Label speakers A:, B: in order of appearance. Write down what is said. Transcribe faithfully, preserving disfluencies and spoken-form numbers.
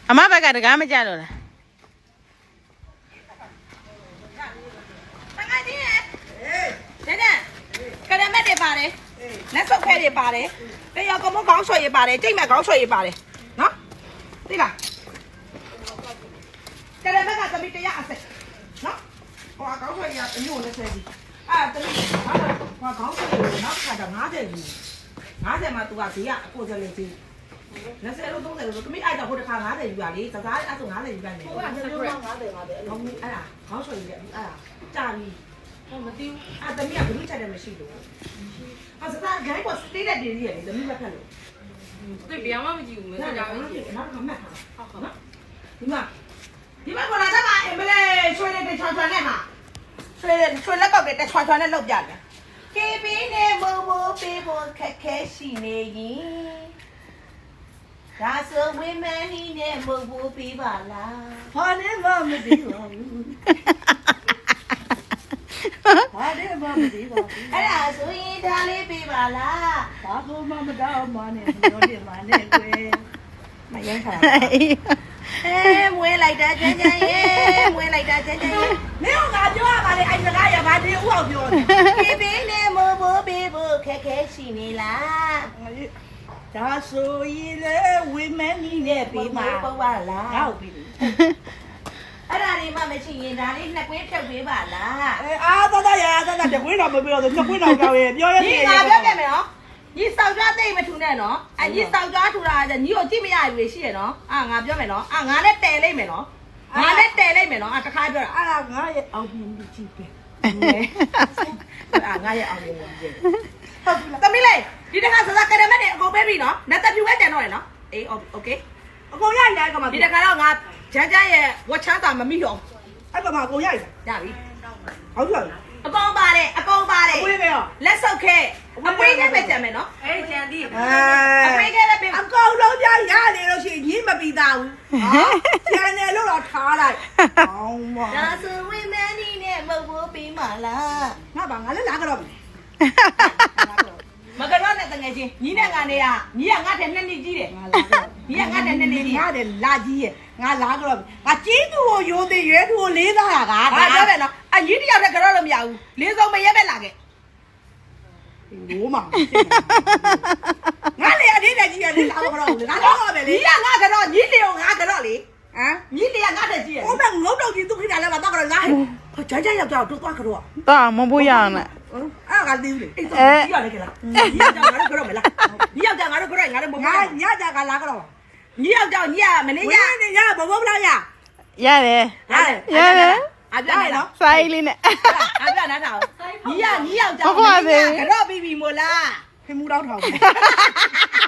A: 阿妈把个这个没加了了。
B: 大家听，等等，个人买的罢了，那手开的罢了，这要个么刚说一罢了，这面刚说一罢了，喏，对吧？个人买个这边这样子，喏，我刚说一样，你用的设计，啊，这里，我刚说的，那看着哪在用，哪在嘛都要这样，或者来这。那些老东西都没挨着或者看哪在用啊？你这咋啊？从哪在用呢？我看这就哪在哪在。我哎呀，刚说一点，哎呀，家里。我没丢，啊，这面不是吃的没水多，啊，是咱人过水来的人，这没得看了。
C: 对，别忘记我们这家问题。
B: 那好买哈，好好。你们，你们过来干嘛？你们来水来得串串的哈，水来水来搞个得串串的老家的。隔壁的某某北部开开心的人。他说为满你的某某背吧啦，怕的我们背吧。怕的我们背吧。哎呀，所以他的背吧啦，他说妈妈到妈呢，我的妈呢贵。妈眼看。哎，没来的姐姐耶，没来的姐姐耶。没有俺就俺把你爱着俺也把你忘掉了。隔壁的某某背部开开心的啦。他所以呢，为满你的背嘛，不完啦。好背。哎，那你妈没亲人，那你那鬼票背完啦？哎啊，咋咋呀？咋咋这鬼上没表的？这鬼上表的，表演。你哪表演没有？你烧抓对没出来喏？哎，你烧抓出来的，你有几米啊？有些喏，啊，俺表没喏，啊，俺来带来没喏，俺来带来没喏，啊，这开表，啊，俺也熬边的几遍。啊，俺也熬边的。好，怎么嘞？你这看是咋个人买的？我买的喏，那这票我带来喏。哎，OK。我要一个嘛。你这看到俺姐姐也，我抢咱们没有。哎，干嘛？我要一个。要一。好远。阿公爸嘞，阿公爸嘞。会没有？来收开。阿贵的没见没喏。哎，见的。哎。阿贵的没。阿公老家家里头去，你没背到。啊。现在老老差了。好嘛。那是为难你呢，某某背嘛啦。那把俺来拿个了。မကတော့နဲ့တငယ်ချင်းညီနဲ့ငါနေရညီကငါတဲ့နှစ်နှစ်ကြီးတယ်ငါလာတော့ညီကငါတဲ့နှစ်နှစ်ကြီးငါတဲ့လာကြီးရဲ့ငါလာတော့ငါကြီးသူကိုရိုးသေးရွဲသူကိုလေးသားတာကဒါပြောပဲနော်အညီတယောက်တည်းကတော့လို့မရဘူးလေးစုံမရဲပဲလာခဲ့လို့မငါလေအသေးတဲ့ကြီးရလေးလာတော့ကတော့လေငါတော့ပဲလေညီကငါကတော့ညီလေကိုငါကတော့လေဟမ်ညီလေကငါတဲ့ကြီးရဟိုမဲ့ငုတ်တော့ကြီးသူခိတာလဲမတော့ကတော့ငါကြမ်းကြမ်းယောက်ျားတို့သွားကတော့
A: တော့မဖို့ရအောင်နဲ့
B: 啊，俺丢的，哎，要那个了，你要叫俺都可着没了，你要叫俺都可着，俺都没买。你要叫俺哪个了？你要叫你呀，没人家，人家不不不了呀。
A: ရတယ်ရတယ်
B: 啊，对了，
A: စာရေးလေးနဲ့
B: 啊，对了，那你呀，你要叫，可着比比没啦，还没到头。